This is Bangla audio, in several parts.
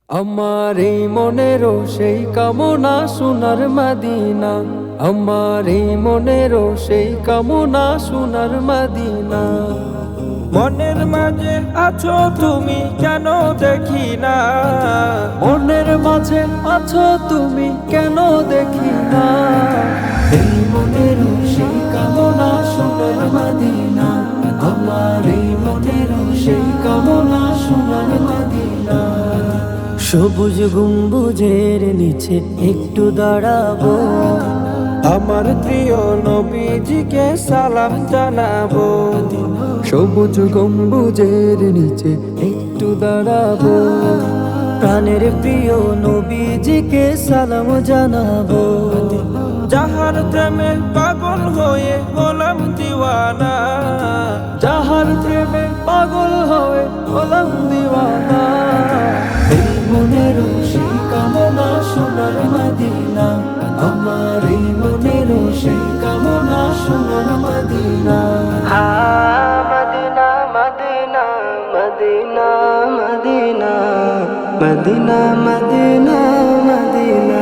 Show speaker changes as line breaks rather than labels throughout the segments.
আমার এই মনেরও সেই কামনা সোনার মদিনা, আমার এই মনেরও সেই কামনা সোনার মদিনা।
মনের মাঝে আছো তুমি কেন দেখি না,
মনের মাঝে আছো তুমি কেন দেখি না। এই মনেরও সেই কামনা সোনার মদিনা, আমার এই মনেরও সেই কামনা সোনার মদিনা।
সবুজ গম্বুজের নিচে একটু দাঁড়াবো,
আমার প্রিয় নবীজিকে সালাম জানাবো।
সবুজ গম্বুজের নিচে একটু দাঁড়াবো,
প্রাণের প্রিয় নবীজিকে সালাম জানাবো।
যাহার প্রেমে পাগল হয়ে হলাম দিওয়ানা,
যাহার প্রেমে পাগল হয়ে হলাম দিওয়ানা। এই মনের সেই কামনা সোনার মদিনা, আমার এই মনের সেই কামনা সোনার মদিনা।
মদিনা মদিনা মদিনা মদিনা মদিনা মদিনা মদিনা।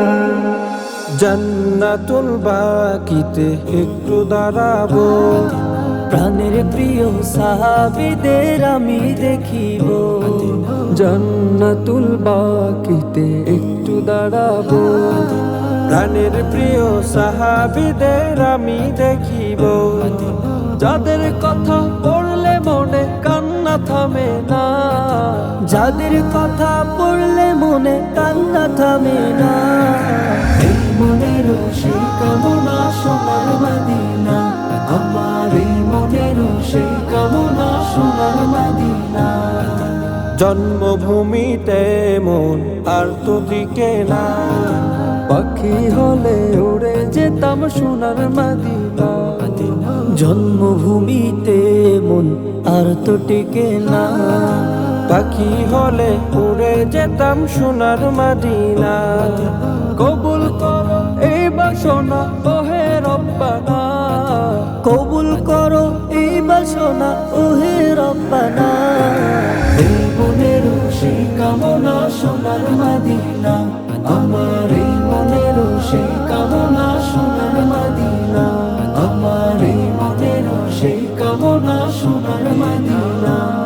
জান্নাতুল বাকিতে একটু দাঁড়াবো,
প্রাণের প্রিয় সাহাবীদের আমি দেখিব।
জান্নাতুল বাকিতে একটু দাঁড়াবো,
প্রাণের প্রিয় সাহাবীদের আমি দেখিব।
যাদের কথা পড়লে মনে কান্না থামে না,
যাদের কথা পড়লে মনে কান্না থামে না।
এই মনের সেই কামনা সোনার মদিনা, আমার এই মনের সেই কামনা সোনার মদিনা।
জন্মভূমিতে মন আর তো টিকে না,
পাখি হলে উড়ে যেতাম সোনার মদিনা।
জন্মভূমিতে মন আর তো টিকে না,
পাখি হলে উড়ে যেতাম সোনার মদিনা।
কবুল করো এই বাসনা ওহে রব্বানা,
কবুল করো এই বাসনা ওহে রব্বানা।
এই মনের সেই কামনা সোনার মদিনা, আমার এই মনের সেই কামনা সোনার মদিনা, আমার এই মনের সেই কামনা সোনার মদিনা।